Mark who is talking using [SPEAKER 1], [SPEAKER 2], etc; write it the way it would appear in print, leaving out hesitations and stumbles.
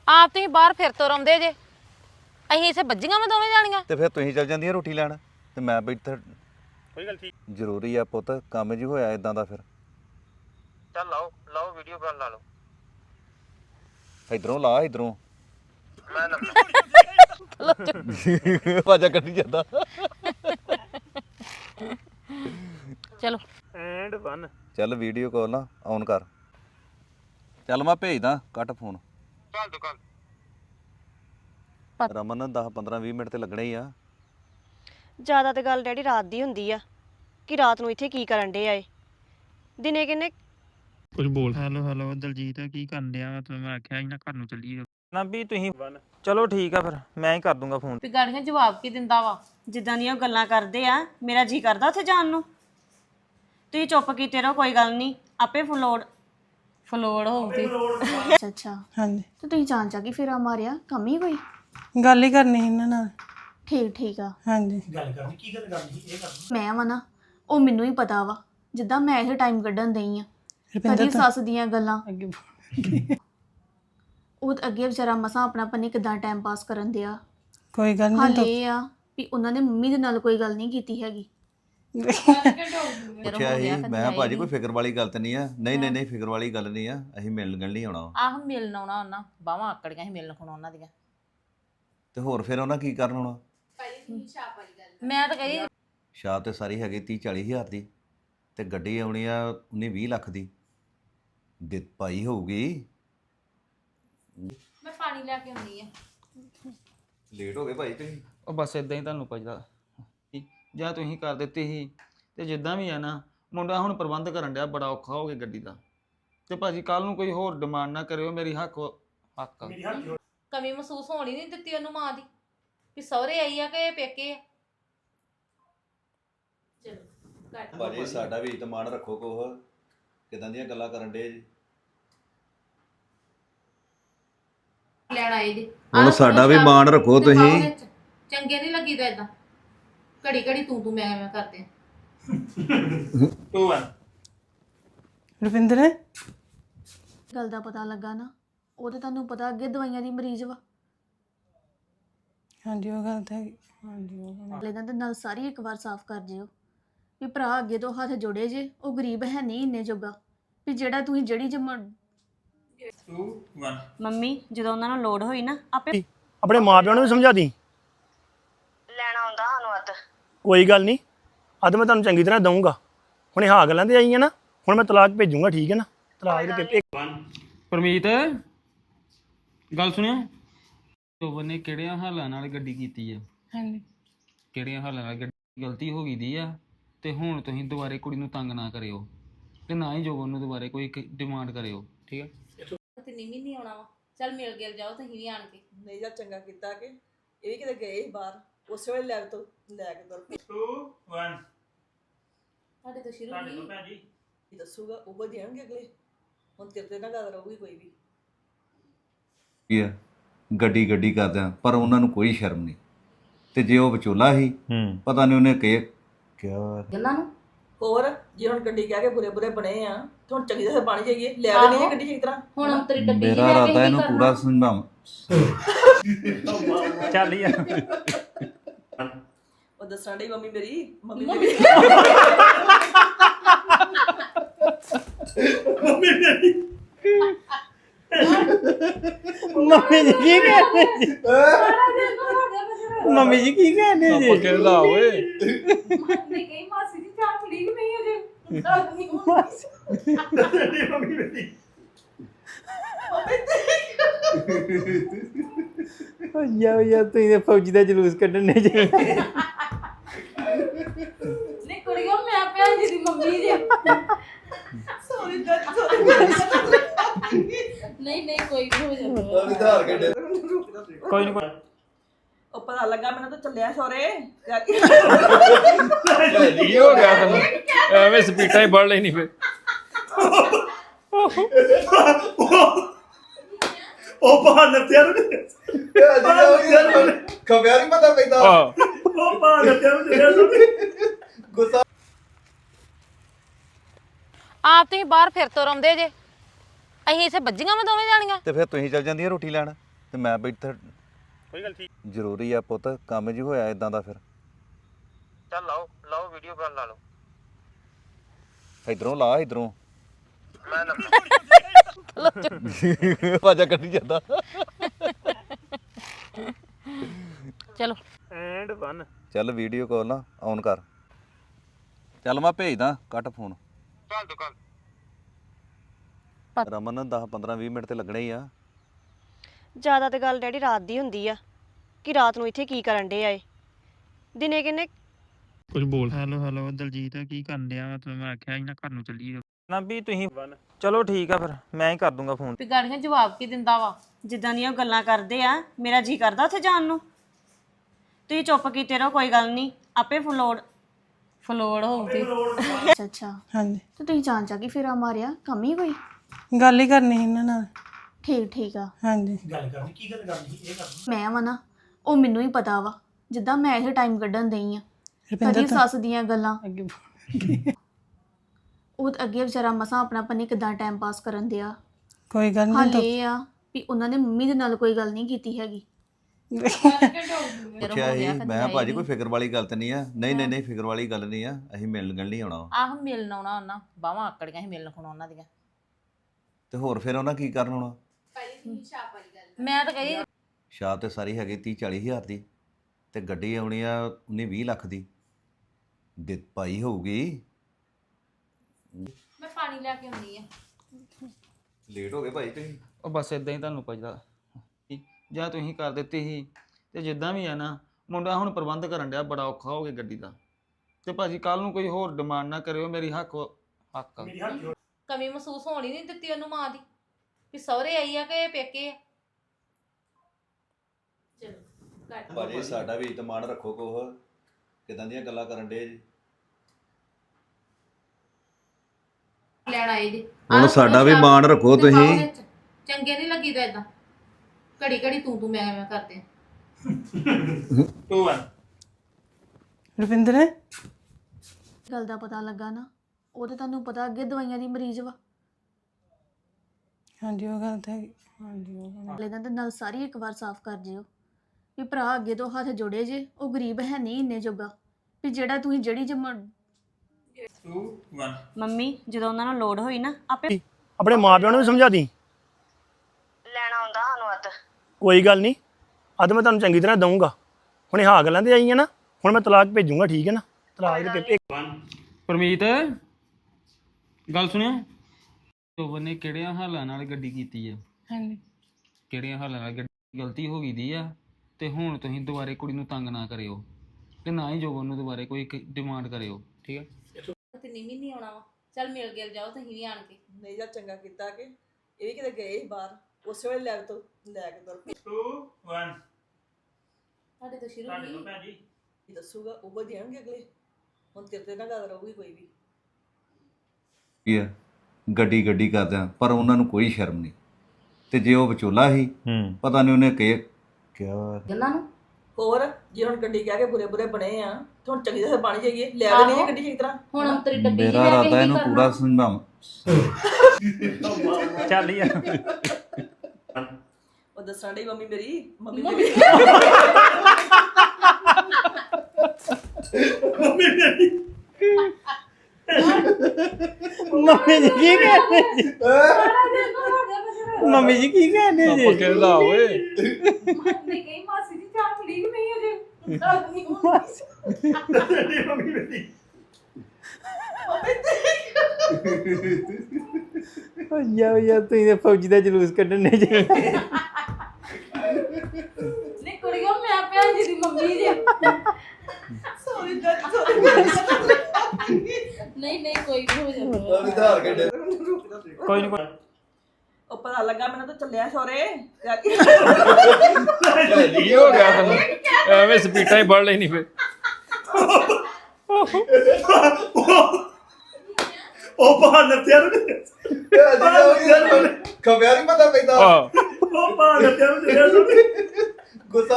[SPEAKER 1] ਆਪ ਤੁਸੀਂ ਬਾਹਰ ਫਿਰ ਤੁਰ ਆਉਂਦੇ ਜੇ, ਅਸੀਂ ਇੱਥੇ ਵੱਜੀਆਂ ਮੈਂ ਦੋਵੇਂ ਜਾਣੀਆਂ।
[SPEAKER 2] ਤੇ ਫਿਰ ਤੁਸੀਂ ਚੱਲ ਜਾਂਦੀਆਂ ਰੋਟੀ ਲੈਣ ਤੇ ਮੈਂ ਬੈਠਾ।
[SPEAKER 3] ਕੋਈ ਗੱਲ ਠੀਕ।
[SPEAKER 2] ਜ਼ਰੂਰੀ ਆ ਪੁੱਤ, ਕੰਮ ਜੀ ਹੋਇਆ ਇਦਾਂ ਦਾ ਫਿਰ।
[SPEAKER 3] ਚੱਲ ਲਾਓ ਵੀਡੀਓ ਕਾਲ ਲਾ ਲਓ।
[SPEAKER 2] ਇਧਰੋਂ ਲਾ, ਇਧਰੋਂ
[SPEAKER 3] ਮੈਂ ਨਾ
[SPEAKER 2] ਆਵਾਜ਼ਾਂ ਕੱਢੀ ਜਾਂਦਾ।
[SPEAKER 1] ਚਲੋ
[SPEAKER 3] ਐਂਡ 1
[SPEAKER 2] ਚੱਲ ਵੀਡੀਓ ਕਾਲ ਨਾ ਔਨ ਕਰ। ਚੱਲ ਮੈਂ ਭੇਜਦਾ, ਕੱਟ ਫੋਨ।
[SPEAKER 3] ਚੱਲ ਦੁਕਾਨ
[SPEAKER 2] ਰਮਨ 10 15 20 ਮਿੰਟ ਤੇ ਲੱਗਣੇ ਹੀ ਆ।
[SPEAKER 4] ਜ਼ਿਆਦਾ ਤੇ ਗੱਲ ਡੈਡੀ ਰਾਤ ਦੀ ਹੁੰਦੀ ਆ ਕਿ ਰਾਤ ਨੂੰ ਇੱਥੇ ਕੀ ਕਰਨ ਡੇ ਆਏ। ਦਿਨੇ ਕਿੰਨੇ
[SPEAKER 3] ਕੁਝ ਬੋਲ। ਹੈਲੋ ਦਲਜੀਤ ਕੀ ਕਰਨ ਡਿਆ? ਮਤਲਬ ਮੈਂ ਆਖਿਆ ਸੀ ਨਾ ਘਰ ਨੂੰ ਚੱਲੀਏ ਨਾ ਵੀ ਤੁਸੀਂ। ਚਲੋ ਠੀਕ ਆ, ਫਿਰ ਮੈਂ ਹੀ ਕਰ ਦੂੰਗਾ ਫੋਨ।
[SPEAKER 1] ਵੀ ਗਾੜੀਆਂ ਜਵਾਬ ਕੀ ਦਿੰਦਾ ਵਾ?
[SPEAKER 4] ਜਿੱਦਾਂ ਦੀਆਂ ਉਹ ਗੱਲਾਂ ਕਰਦੇ ਆ ਮੇਰਾ ਜੀ ਕਰਦਾ ਉੱਥੇ ਜਾਣ ਨੂੰ। ਤੁਸੀਂ ਚੁੱਪ ਕੀਤੇ ਰਹੋ, ਕੋਈ ਗੱਲ ਨਹੀਂ, ਆਪੇ
[SPEAKER 1] ਫਲੋੜ ਹੋਊਗੀ।
[SPEAKER 5] ਅੱਛਾ ਅੱਛਾ
[SPEAKER 6] ਹਾਂਜੀ
[SPEAKER 5] ਤੇ ਤੁਸੀਂ ਜਾਣ ਜਾ ਕੇ ਫੇਰਾ ਮਾਰਿਆ, ਕੰਮ ਹੀ ਕੋਈ?
[SPEAKER 6] ਗੱਲ ਹੀ ਕਰਨੀ ਸੀ ਇਹਨਾਂ ਨਾਲ।
[SPEAKER 5] ਠੀਕ ਆ।
[SPEAKER 6] ਹਾਂਜੀ
[SPEAKER 5] ਮੈਂ ਵਾ ਨਾ, ਉਹ ਮੈਨੂੰ ਹੀ ਪਤਾ ਵਾ, ਜਿੱਦਾਂ ਮੈਂ ਇਹ ਟਾਈਮ ਕੱਢਣ ਦਈ ਆ। ਕਦੀ ਸੱਸ ਦੀਆਂ ਗੱਲਾਂ,
[SPEAKER 6] ਅੱਗੇ
[SPEAKER 5] ਉਹ ਅੱਗੇ ਵਿਚਾਰਾ ਮਸਾਂ ਆਪਣਾ ਪਨੀ ਕਿਦਾਂ ਟਾਈਮ ਪਾਸ ਕਰਨ ਦਿਆ।
[SPEAKER 6] ਕੋਈ ਗੱਲ ਨਹੀਂ।
[SPEAKER 5] ਹਾਲੇ ਇਹ ਆ ਵੀ ਉਹਨਾਂ ਨੇ ਮੰਮੀ ਦੇ ਨਾਲ ਕੋਈ ਗੱਲ ਨਹੀਂ ਕੀਤੀ ਹੈਗੀ।
[SPEAKER 2] ਪੁੱਛਿਆ ਸੀ ਮੈਂ ਕਿਹਾ ਭਾਜੀ ਕੋਈ ਫਿਕਰ ਵਾਲੀ ਗੱਲ ਤਾਂ ਨਹੀਂ ਆ? ਨਹੀਂ ਫਿਕਰ ਵਾਲੀ ਗੱਲ ਨਹੀਂ ਆ, ਅਸੀਂ ਮਿਲਣ ਗਿਲਣ ਨਹੀਂ ਆਉਣਾ।
[SPEAKER 1] ਆਹ ਮਿਲਣ ਆਉਣਾ ਉਹਨਾਂ ਬਾਹਾਂ ਆਕੜੀਆਂ ਸੀ ਮਿਲਣ ਖੁਣ ਉਹਨਾਂ ਦੀਆਂ।
[SPEAKER 2] ਤੇ ਹੋਰ ਫਿਰ ਉਹਨਾਂ ਕੀ ਕਰਨ ਆਉਣਾ?
[SPEAKER 1] ਮੈਂ ਤਾਂ ਕਹੀ
[SPEAKER 2] ਸ਼ਾਪ ਤੇ ਸਾਰੀ ਹੈਗੀ 30 40 ਹਜ਼ਾਰ ਦੀ, ਤੇ ਗੱਡੀ ਆਉਣੀ ਆ 19 20 ਲੱਖ ਦੀ। ਦਿੱਤ ਪਾਈ ਹੋਊਗੀ।
[SPEAKER 1] ਮੈਂ ਪਾਣੀ ਲੈ ਕੇ ਆਉਣੀ ਆ।
[SPEAKER 2] ਲੇਟ ਹੋ ਗਏ ਭਾਈ ਤੁਸੀਂ।
[SPEAKER 3] ਉਹ ਬਸ ਇਦਾਂ ਹੀ ਤੁਹਾਨੂੰ ਪੁੱਛਦਾ ਜਾਂ ਤੁਸੀਂ ਕਰ ਦਿੱਤੀ ਸੀ ਤੇ ਜਿੱਦਾਂ ਵੀ ਆ ਨਾ, ਮੁੰਡਾ ਹੁਣ ਪ੍ਰਬੰਧ ਕਰਨ ਡਿਆ ਬੜਾ ਔਖਾ ਹੋ ਗਿਆ ਗੱਡੀ ਦਾ। ਤੇ ਭਾਜੀ ਕੱਲ ਨੂੰ ਕੋਈ ਹੋਰ ਡਿਮਾਂਡ ਨਾ ਕਰਿਓ, ਮੇਰੀ ਹੱਕ
[SPEAKER 1] ਕਮੀ ਮਹਿਸੂਸ ਹੋਣੀ ਨਹੀਂ ਦਿੱਤੀ ਉਹਨੂੰ ਮਾਂ ਦੀ ਵੀ ਸਹੁਰੇ ਆਈ ਆ ਕਿ ਪੇਕੇ ਆ। ਚਲੋ
[SPEAKER 2] ਭਾਜੀ ਸਾਡਾ ਵੀ ਇਤਮਾਨ ਰੱਖੋ। ਕੋਹ ਕਿਦਾਂ ਦੀਆਂ ਗੱਲਾਂ ਕਰਨ ਡੇ ਜੀ।
[SPEAKER 1] ਲੈਣ ਆਏ ਜੀ।
[SPEAKER 2] ਹੁਣ ਸਾਡਾ ਵੀ ਮਾਣ ਰੱਖੋ ਤੁਸੀਂ।
[SPEAKER 1] ਚੰਗੇ ਨਹੀਂ ਲੱਗੀਦਾ ਏਦਾਂ ਘੜੀ ਘੜੀ ਤੂੰ ਮੈਂ ਕਰਦੇ।
[SPEAKER 3] 2 1
[SPEAKER 6] ਰੁਪਿੰਦਰ
[SPEAKER 5] ਗੱਲ ਦਾ ਪਤਾ ਲੱਗਾ ਨਾ, ਉਹ ਤੇ ਤੁਹਾਨੂੰ ਪਤਾ ਅੱਗੇ ਦਵਾਈਆਂ ਦੀ ਮਰੀਜ਼ ਵਾ।
[SPEAKER 6] ਹਾਂਜੀ ਉਹ ਗੱਲ ਤਾਂ ਹੈਗੀ। ਹਾਂਜੀ ਉਹ ਗੱਲ
[SPEAKER 5] ਇਹਨਾਂ ਦੇ ਨਾਲ ਸਾਰੀ ਇੱਕ ਵਾਰ ਸਾਫ਼ ਕਰ ਜਿਓ ਵੀ ਭਰਾ ਅੱਗੇ ਤੋਂ ਹੱਥ ਜੋੜੇ ਜੇ, ਉਹ ਗਰੀਬ ਹੈ ਨਹੀਂ ਇੰਨੇ ਜੋਗਾ ਵੀ ਜਿਹੜਾ ਤੁਸੀਂ ਜਿਹੜੀ
[SPEAKER 3] 2 1
[SPEAKER 4] ਮੰਮੀ ਜਦੋਂ ਉਹਨਾਂ ਨੂੰ ਲੋੜ ਹੋਈ ਨਾ ਆਪੇ
[SPEAKER 7] ਆਪਣੇ ਮਾਪਿਆਂ ਨੂੰ ਵੀ ਸਮਝਾ ਦੀ।
[SPEAKER 4] ਲੈਣਾ ਆਉਂਦਾ ਸਾਨੂੰ ਅੱਧ।
[SPEAKER 7] ਕੋਈ ਗੱਲ ਨਹੀਂ, ਅੱਜ ਮੈਂ ਤੁਹਾਨੂੰ ਚੰਗੀ ਤਰ੍ਹਾਂ ਦਊਂਗਾ। ਹੁਣ ਇਹ ਗੱਲਾਂ ਤੇ ਆਈਆਂ ਨਾ, ਹੁਣ ਮੈਂ ਤਲਾਕ ਭੇਜੂੰਗਾ, ਠੀਕ ਹੈ ਨਾ? ਤਲਾਕ ਦੇ ਪੇਪਰ
[SPEAKER 3] ਪਰਮੀਤ ਗੱਲ ਸੁਣਿਓ। ਜੋਬਨ ਨੇ ਕਿਹੜਿਆਂ ਹਾਲਾਂ ਨਾਲ ਗੱਡੀ ਕੀਤੀ ਆ?
[SPEAKER 6] ਹਾਂਜੀ
[SPEAKER 3] ਕਿਹੜਿਆਂ ਹਾਲਾਂ ਨਾਲ ਗੱਡੀ ਗਲਤੀ ਹੋ ਗਈ ਦੀ ਆ। ਤੇ ਹੁਣ ਤੁਸੀਂ ਦੁਬਾਰੇ ਕੁੜੀ ਨੂੰ ਤੰਗ ਨਾ ਕਰਿਓ ਤੇ ਨਾ ਹੀ ਜੋਬਨ ਨੂੰ ਦੁਬਾਰੇ ਕੋਈ ਡਿਮਾਂਡ ਕਰਿਓ, ਠੀਕ ਹੈ?
[SPEAKER 1] ਤੇ ਨੀਵੀਂ ਨਹੀਂ ਆਉਣਾ ਵਾ। ਚੱਲ ਮਿਲ ਗਿਲ ਜਾਓ ਤੁਸੀਂ ਵੀ ਆਣ ਕੇ।
[SPEAKER 8] ਨਹੀਂ ਜਾਂ ਚੰਗਾ ਕੀਤਾ ਕਿ ਇਹ ਵੀ ਕਿਤੇ ਗਏ ਸੀ ਬਾਹਰ, ਉਸੇ ਵੇਲੇ ਲੈ ਕੇ ਤੁਰ ਪਏ।
[SPEAKER 3] 2 1
[SPEAKER 1] ਤੁਹਾਡੇ ਤੋਂ ਸ਼ੁਰੂ ਹੋਈ।
[SPEAKER 8] ਦੱਸੂਗਾ ਉਹ ਦੇਣਗੇ ਅਗਲੇ। ਹੁਣ ਤੇਰੇ ਤੇ ਨਾ ਗੱਲ ਰਹੂਗੀ ਕੋਈ ਵੀ।
[SPEAKER 2] ਕੀ ਆ ਗੱਡੀ ਕਰਦਿਆਂ, ਪਰ ਉਹਨਾਂ ਨੂੰ ਕੋਈ ਸ਼ਰਮ ਨਹੀਂ। ਤੇ ਜੇ ਉਹ ਵਿਚੋਲਾ ਸੀ, ਪਤਾ ਨਹੀਂ ਉਹਨੇ ਕਿਹਾ
[SPEAKER 1] ਗੱਲਾਂ ਨੂੰ
[SPEAKER 8] ਹੋਰ ਜੇ ਹੁਣ ਗੱਡੀ ਕਹਿ ਕੇ ਬੁਰੇ ਬਣੇ ਆ ਤੇ ਹੁਣ ਚੰਗੀ ਤਰ੍ਹਾਂ ਬਣ ਜਾਈਏ, ਲੈ ਕੇ ਨਹੀਂ ਗੱਡੀ ਚੰਗੀ ਤਰ੍ਹਾਂ।
[SPEAKER 1] ਹੁਣ ਤੇਰੀ ਡੱਬੀ ਜਿਹੀ
[SPEAKER 2] ਮੇਰਾ
[SPEAKER 1] ਲੈ ਕੇ
[SPEAKER 2] ਇਰਾਦਾ ਇਹਨੂੰ
[SPEAKER 1] ਕੀ
[SPEAKER 2] ਪੂਰਾ
[SPEAKER 1] ਕਰਨਾ?
[SPEAKER 2] ਸਮਝਾਵਾਂ।
[SPEAKER 3] ਚੱਲ ਯਾਰ
[SPEAKER 8] ਉਹ ਦੱਸਣ ਡਈ ਮੰਮੀ ਮੇਰੀ ਮੰਮੀ
[SPEAKER 6] ਮੰਮੀ ਜੀ ਕੀ ਕਹਿੰਦੇ ਜੀ? ਮੰਮੀ ਜੀ ਕੀ ਕਹਿੰਦੇ ਜੀ?
[SPEAKER 3] ਪੱਕੇਲਾ ਓਏ
[SPEAKER 1] ਨਹੀਂ ਕਹੀ ਮਾਸੀ ਦੀ ਚਾਹ ਮਿਲੀ ਕਿ ਨਹੀਂ ਅਜੇ?
[SPEAKER 6] ਯਾ ਤੁਸੀਂ ਤੇ ਫੌਜੀ ਦਾ ਜਲੂਸ ਕੱਢਣੇ ਜੀ।
[SPEAKER 1] ਨਹੀਂ ਕੁੜੀਓ ਮੈਂ ਭੈਣ ਜੀ ਦੀ ਮੰਮੀ ਜੀ।
[SPEAKER 8] ਸੌਰੀ
[SPEAKER 1] ਨਹੀਂ ਕੋਈ ਨਹੀਂ ਹੋ ਜਾਂਦਾ।
[SPEAKER 3] ਕੋਈ ਨਹੀਂ
[SPEAKER 8] ਉਹ ਪਤਾ ਲੱਗਾ ਮੈਨੂੰ ਤਾਂ ਚੱਲਿਆ ਸੋਰੇ।
[SPEAKER 3] ਕੀ ਹੋ ਗਿਆ ਤੈਨੂੰ? ਐਵੇਂ ਸਪੀਟਾਂ ਹੀ ਵੱਢ ਲੈਣੀ ਫੇ।
[SPEAKER 7] ਉਹ ਬਹਾਨਾ ਤਿਆਰ ਨੂੰ
[SPEAKER 2] ਖਬਿਆ ਨਹੀਂ ਪਤਾ ਪੈਂਦਾ।
[SPEAKER 7] ਉਹ ਬਹਾਨਾ ਤਿਆਰ ਨੂੰ
[SPEAKER 2] ਗੁੱਸਾ
[SPEAKER 1] ਆਪ ਤੁਸੀਂ ਬਾਹਰ ਫਿਰ ਤੁਰ ਆਉਂਦੇ ਜੇ, ਅਸੀਂ ਇੱਥੇ ਵੱਜੀਆਂ ਮੈਂ ਦੋਵੇਂ ਜਾਣੀਆਂ।
[SPEAKER 2] ਤੇ ਫਿਰ ਤੁਸੀਂ ਚੱਲ ਜਾਂਦੀਆਂ ਰੋਟੀ ਲੈਣ ਤੇ ਮੈਂ ਬੈਠਾ
[SPEAKER 7] ਕੋਈ ਗੱਲ ਠੀਕ
[SPEAKER 2] ਜ਼ਰੂਰੀ ਆ ਪੁੱਤ ਕੰਮ ਜੀ ਹੋਇਆ ਇਦਾਂ ਦਾ ਫਿਰ
[SPEAKER 3] ਚੱਲ ਲਾਓ ਲਾਓ ਵੀਡੀਓ ਕਾਲ ਲਾ ਲਓ
[SPEAKER 2] ਇਧਰੋਂ ਲਾ ਇਧਰੋਂ
[SPEAKER 3] ਮੈਂ
[SPEAKER 2] ਵਾਜਾ ਕੱਢੀ ਜਾਂਦਾ
[SPEAKER 1] ਚਲੋ
[SPEAKER 7] ਐਂਡ 1
[SPEAKER 2] ਚੱਲ ਵੀਡੀਓ ਕਾਲ ਨਾ ਔਨ ਕਰ ਚੱਲ ਮੈਂ ਭੇਜਦਾ ਕੱਟ ਫੋਨ
[SPEAKER 3] ਚੱਲ ਦੁਕਾਨ
[SPEAKER 2] ਰਮਨ 10 15 20 ਮਿੰਟ ਤੇ ਲੱਗਣੇ ਹੀ ਆ
[SPEAKER 4] ਜ਼ਿਆਦਾ ਤੇ ਗੱਲ ਡੈਡੀ ਰਾਤ ਦੀ ਹੁੰਦੀ ਆ ਕਿ ਰਾਤ ਨੂੰ ਇੱਥੇ ਕੀ ਕਰਨ ਡੇ ਆਏ ਦਿਨੇ ਕਿੰਨੇ
[SPEAKER 7] ਕੁਝ ਬੋਲ
[SPEAKER 3] ਹੈਲੋ ਹੈਲੋ ਦਲਜੀਤ ਕੀ ਕਰਨ ਡਿਆ ਤੂੰ ਮੈਂ ਆਖਿਆ ਸੀ ਨਾ ਘਰ ਨੂੰ ਚੱਲੀਏ ਨਾ ਵੀ ਤੁਸੀਂ ਚਲੋ ਠੀਕ ਆ ਫਿਰ ਮੈਂ ਹੀ ਕਰ ਦੂੰਗਾ ਫੋਨ
[SPEAKER 1] ਵੀ ਗਾੜੀਆਂ ਜਵਾਬ ਕੀ ਦਿੰਦਾ ਵਾ
[SPEAKER 4] ਜਿੱਦਾਂ ਦੀਆਂ ਉਹ ਗੱਲਾਂ ਕਰਦੇ ਆ ਮੇਰਾ ਜੀ ਕਰਦਾ ਉੱਥੇ ਜਾਣ ਨੂੰ ਤੁਸੀਂ ਚੁੱਪ ਕੀਤੇ ਰਹੋ ਕੋਈ ਗੱਲ ਨਹੀਂ ਆਪੇ
[SPEAKER 1] ਫਲੋੜ ਹੋਊਗੀ
[SPEAKER 5] ਅੱਛਾ ਅੱਛਾ
[SPEAKER 6] ਹਾਂਜੀ
[SPEAKER 5] ਤੇ ਤੁਸੀਂ ਚਾਂਚਾ ਕੀ ਫੇਰਾ ਮਾਰਿਆ ਕੰਮ ਹੀ ਕੋਈ
[SPEAKER 6] ਗੱਲ ਹੀ ਕਰਨੀ ਸੀ ਇਹਨਾਂ ਨਾਲ
[SPEAKER 5] ਠੀਕ ਠੀਕ ਆ
[SPEAKER 6] ਹਾਂਜੀ
[SPEAKER 7] ਗੱਲ ਕਰਨੀ ਕੀ ਗੱਲ ਕਰਨੀ ਇਹ ਕਰਨੀ
[SPEAKER 5] ਮੈਂ ਵਾ ਨਾ ਉਹ ਮੈਨੂੰ ਹੀ ਪਤਾ ਵਾ ਜਿੱਦਾਂ ਮੈਂ ਇਹ ਟਾਈਮ ਕੱਢਣ ਦਈ ਆ
[SPEAKER 6] ਰੁਪਿੰਦਰ
[SPEAKER 5] ਕਦੀ ਸੱਸ ਦੀਆਂ ਗੱਲਾਂ
[SPEAKER 6] ਅੱਗੇ
[SPEAKER 5] ਉਹ ਤਾਂ ਅੱਗੇ ਵਿਚਾਰਾ ਮਸਾਂ ਆਪਣਾ ਪੰਨੀ ਕਿਦਾਂ ਟਾਈਮ ਪਾਸ ਕਰਨ ਦਿਆ
[SPEAKER 6] ਕੋਈ ਗੱਲ
[SPEAKER 5] ਹਾਲੇ ਇਹ ਆ ਵੀ ਉਹਨਾਂ ਨੇ ਮੰਮੀ ਦੇ ਨਾਲ ਕੋਈ ਗੱਲ ਨਹੀਂ ਕੀਤੀ ਹੈਗੀ
[SPEAKER 2] ਪੁੱਛਿਆ ਸੀ ਮੈਂ ਕਿਹਾ ਭਾਜੀ ਕੋਈ ਫਿਕਰ ਵਾਲੀ ਗੱਲ ਤੇ ਨਹੀਂ ਆ ਨਹੀਂ ਫਿਕਰ ਵਾਲੀ ਗੱਲ ਨਹੀਂ ਆ ਅਸੀਂ ਮਿਲਣ ਗਣ ਨਹੀਂ ਆਉਣਾ
[SPEAKER 1] ਆਹ ਮਿਲਣ ਆਉਣਾ ਉਹਨਾਂ ਬਾਹਾਂ ਆਕੜੀਆਂ ਸੀ ਮਿਲਣ ਖੁਣਾ ਉਹਨਾਂ ਦੀਆਂ
[SPEAKER 2] ਤੇ ਹੋਰ ਫਿਰ ਉਹਨਾਂ ਕੀ ਕਰਨ ਆਉਣਾ
[SPEAKER 1] ਮੈਂ ਤਾਂ ਕਹੀ
[SPEAKER 2] ਸ਼ਾਪ ਤੇ ਸਾਰੀ ਹੈਗੀ 30 40 ਹਜ਼ਾਰ ਦੀ ਤੇ ਗੱਡੀ ਆਉਣੀ ਆ 19 20 ਲੱਖ ਦੀ ਦੇ ਪਾਈ ਹੋਊਗੀ
[SPEAKER 1] ਮੈਂ ਪਾਣੀ ਲੈ ਕੇ ਆਉਣੀ ਆ
[SPEAKER 2] ਲੇਟ ਹੋ ਗਏ ਭਾਈ ਤੁਸੀਂ
[SPEAKER 3] ਉਹ ਬਸ ਇਦਾਂ ਹੀ ਤੁਹਾਨੂੰ ਪੁੱਛਦਾ ਜਾਂ ਤੁਸੀਂ ਕਰ ਦਿੱਤੀ ਸੀ ਤੇ ਜਿੱਦਾਂ ਵੀ ਆ ਨਾ ਮੁੰਡਾ ਹੁਣ ਪ੍ਰਬੰਧ ਕਰਨ ਡਿਆ ਬੜਾ ਔਖਾ ਹੋ ਗਿਆ ਗੱਡੀ ਦਾ ਤੇ ਭਾਜੀ ਕੱਲ ਨੂੰ ਕੋਈ ਹੋਰ ਡਿਮਾਂਡ ਨਾ ਕਰਿਓ ਮੇਰੀ ਹੱਕ
[SPEAKER 1] ਕਮੀ ਮਹਿਸੂਸ ਹੋਣੀ ਨਹੀਂ ਦਿੱਤੀ ਉਹਨੂੰ ਮਾਂ ਦੀ ਵੀ ਸਹੁਰੇ ਆਈ ਆ ਕਿ ਪੇਕੇ ਆ ਚਲੋ ਕੱਟ
[SPEAKER 2] ਭਾਜੀ ਸਾਡਾ ਵੀ ਇਤਮਾਨ ਰੱਖੋ ਕੋਹ ਕਿਦਾਂ ਦੀਆਂ ਗੱਲਾਂ ਕਰਨ ਡੇ ਜੀ
[SPEAKER 1] ਲੈਣ ਆਏ ਜੀ
[SPEAKER 2] ਹੁਣ ਸਾਡਾ ਵੀ ਮਾਣ ਰੱਖੋ ਤੁਸੀਂ
[SPEAKER 1] ਚੰਗੇ ਨਹੀਂ ਲੱਗੀ ਤਾਂ ਇਦਾਂ ਘੜੀ ਘੜੀ ਤੂੰ ਮੈਂ ਕਰਦੇ
[SPEAKER 7] 2 1
[SPEAKER 6] ਰੁਪਿੰਦਰ
[SPEAKER 5] ਗੱਲ ਦਾ ਪਤਾ ਲੱਗਾ ਨਾ ਉਹ ਤਾਂ ਤੁਹਾਨੂੰ ਪਤਾ ਅੱਗੇ ਦਵਾਈਆਂ ਦੀ ਮਰੀਜ਼ ਵਾ
[SPEAKER 6] ਹਾਂਜੀ ਉਹ ਗੱਲ ਤਾਂ ਹੈਗੀ। ਹਾਂਜੀ ਉਹ ਗੱਲ
[SPEAKER 5] ਇਹਨਾਂ ਦੇ ਨਾਲ ਸਾਰੀ ਇੱਕ ਵਾਰ ਸਾਫ਼ ਕਰ ਜਿਓ ਵੀ ਭਰਾ ਅੱਗੇ ਤੋਂ ਹੱਥ ਜੋੜੇ ਜੇ ਉਹ ਗਰੀਬ ਹੈ ਨਹੀਂ ਇੰਨੇ ਜੋਗਾ ਵੀ ਜਿਹੜਾ ਤੁਸੀਂ ਜਿਹੜੀ
[SPEAKER 7] 2 1
[SPEAKER 4] ਮੰਮੀ ਜਦੋਂ ਉਹਨਾਂ ਨੂੰ ਲੋੜ ਹੋਈ ਨਾ ਆਪੇ
[SPEAKER 7] ਆਪਣੇ ਮਾਪਿਆਂ ਨੂੰ ਵੀ ਸਮਝਾ ਦੀ
[SPEAKER 4] ਲੈਣਾ ਆਉਂਦਾ ਸਾਨੂੰ ਅੱਧ
[SPEAKER 7] ਕੋਈ ਗੱਲ ਨਹੀਂ ਅੱਜ ਮੈਂ ਤੁਹਾਨੂੰ ਚੰਗੀ ਤਰ੍ਹਾਂ ਦਊਂਗਾ ਹੁਣ ਇਹ ਗੱਲਾਂ ਤੇ ਆਈਆਂ ਨਾ ਹੁਣ ਮੈਂ ਤਲਾਕ ਭੇਜੂੰਗਾ ਠੀਕ ਹੈ ਨਾ ਤਲਾਕ ਦੇ ਪੇਪਰ
[SPEAKER 3] ਪਰਮੀਤ ਗੱਲ ਸੁਣਿਓ ਜੋਬਨ ਨੇ ਕਿਹੜਿਆਂ ਹਾਲਾਂ ਨਾਲ ਗੱਡੀ ਕੀਤੀ ਆ
[SPEAKER 6] ਹਾਂਜੀ
[SPEAKER 3] ਕਿਹੜੀਆਂ ਹਾਲਾਂ ਨਾਲ ਗੱਡੀ ਗਲਤੀ ਹੋ ਗਈ ਦੀ ਆ ਤੇ ਹੁਣ ਤੁਸੀਂ ਦੁਬਾਰੇ ਕੁੜੀ ਨੂੰ ਤੰਗ ਨਾ ਕਰਿਓ ਤੇ ਨਾ ਹੀ ਜੋਬਨ ਨੂੰ ਦੁਬਾਰੇ ਕੋਈ ਡਿਮਾਂਡ ਕਰਿਓ ਠੀਕ ਹੈ
[SPEAKER 1] ਤੇ ਨਿਮੀ ਨਹੀਂ ਆਉਣਾ ਵਾ ਚੱਲ ਮਿਲ ਗਿਲ ਜਾਓ ਤੁਸੀਂ ਵੀ ਆਣ ਕੇ
[SPEAKER 8] ਨਹੀਂ ਜਾਂ ਚੰਗਾ ਕੀਤਾ ਕਿ ਇਹ ਵੀ ਕਿਤੇ ਗਏ ਸੀ ਬਾਹਰ ਉਸੇ ਵੇਲੇ ਲੈ ਕੇ ਤੁਰ ਪਏ
[SPEAKER 7] 2 1
[SPEAKER 1] ਸਾਡੇ ਤੋਂ ਸ਼ੁਰੂ
[SPEAKER 7] ਤੁਹਾਡੇ
[SPEAKER 1] ਹੋਈ
[SPEAKER 7] ਤੋਂ ਭੈਣ ਜੀ
[SPEAKER 8] ਕੀ ਦੱਸੂਗਾ ਉਹ ਦੇਣਗੇ ਅਗਲੇ ਹੁਣ ਤੇਰੇ ਤੇ ਨਾ ਗੱਲ ਰਹੂਗੀ ਕੋਈ ਵੀ
[SPEAKER 2] ਕੀ ਆ ਗੱਡੀ ਕਰਦਿਆਂ ਪਰ ਉਹਨਾਂ ਨੂੰ ਕੋਈ ਸ਼ਰਮ ਨਹੀਂ ਤੇ ਜੇ ਉਹ ਵਿਚੋਲਾ ਸੀ ਪਤਾ ਨਹੀਂ ਉਹਨੇ ਕਿਹਾ
[SPEAKER 1] ਗੱਲਾਂ ਨੂੰ
[SPEAKER 8] ਹੋਰ ਜੇ ਹੁਣ ਗੱਡੀ ਕਹਿ ਕੇ ਬੁਰੇ ਬਣੇ ਆ ਤੇ ਹੁਣ ਚੰਗੀ ਤਰ੍ਹਾਂ ਬਣ ਜਾਈਏ ਲੈ ਦੇ ਨਹੀਂ ਗੱਡੀ ਚੰਗੀ ਤਰ੍ਹਾਂ
[SPEAKER 1] ਹੁਣ ਅੰਤਰੀ ਡੱਬੀ ਜੀ
[SPEAKER 2] ਮੇਰਾ
[SPEAKER 1] ਲੈ ਕੇ
[SPEAKER 2] ਇਰਾਦਾ
[SPEAKER 1] ਹੀ
[SPEAKER 2] ਇਹਨੂੰ
[SPEAKER 1] ਕਰਨਾ
[SPEAKER 2] ਪੂਰਾ ਸਮਝਾਵਾਂ
[SPEAKER 7] ਚੱਲ ਯਾਰ
[SPEAKER 8] ਉਹ ਦੱਸਣ ਡਈ ਮੰਮੀ ਮੇਰੀ
[SPEAKER 7] ਮੰਮੀ
[SPEAKER 6] ਮੰਮੀ ਜੀ ਕੀ ਕਹਿੰਦੇ ਜੀ
[SPEAKER 3] ਕਹਿੰਦਾ ਓਏ
[SPEAKER 1] ਨਹੀਂ ਕਹੀ ਮਾਸੀ ਜੀ ਚਾਹ ਫੜੀ ਕਿ ਨਹੀਂ ਅਜੇ
[SPEAKER 7] ਮੰਮੀ ਮੇਰੀ
[SPEAKER 6] ਯਾ ਤੁਸੀਂ ਤੇ ਫੌਜੀ ਦਾ ਜਲੂਸ ਕੱਢਣੇ ਜੀ
[SPEAKER 1] ਨਹੀਂ ਕੁੜੀਓ ਮੈਂ ਭੈਣ ਜੀ ਦੀ ਮੰਮੀ ਜੀ
[SPEAKER 8] ਸੌਰੀ
[SPEAKER 1] ਨਹੀਂ ਕੋਈ ਨਹੀਂ ਹੋ ਜਾਂਦਾ
[SPEAKER 3] ਕੋਈ ਨਹੀਂ
[SPEAKER 8] ਉਹ ਪਤਾ ਲੱਗਾ ਮੈਨੂੰ ਤਾਂ ਚੱਲਿਆ ਸੋਰੇ
[SPEAKER 3] ਕੀ ਹੋ ਗਿਆ ਤੈਨੂੰ ਐਵੇਂ ਸਪੀਟਾਂ ਹੀ ਫੜ ਲੈਣੀ ਫੇ
[SPEAKER 7] ਉਹ ਬਾਹਰ ਨੱਤਿਆ ਨੂੰ
[SPEAKER 2] ਖਬਰ ਨਹੀਂ ਪਤਾ ਪੈਂਦਾ
[SPEAKER 3] ਆਹ
[SPEAKER 7] ਉਹ ਬਾਹਰ ਨੱਤਿਆ ਨੂੰ
[SPEAKER 2] ਗੁੱਸਾ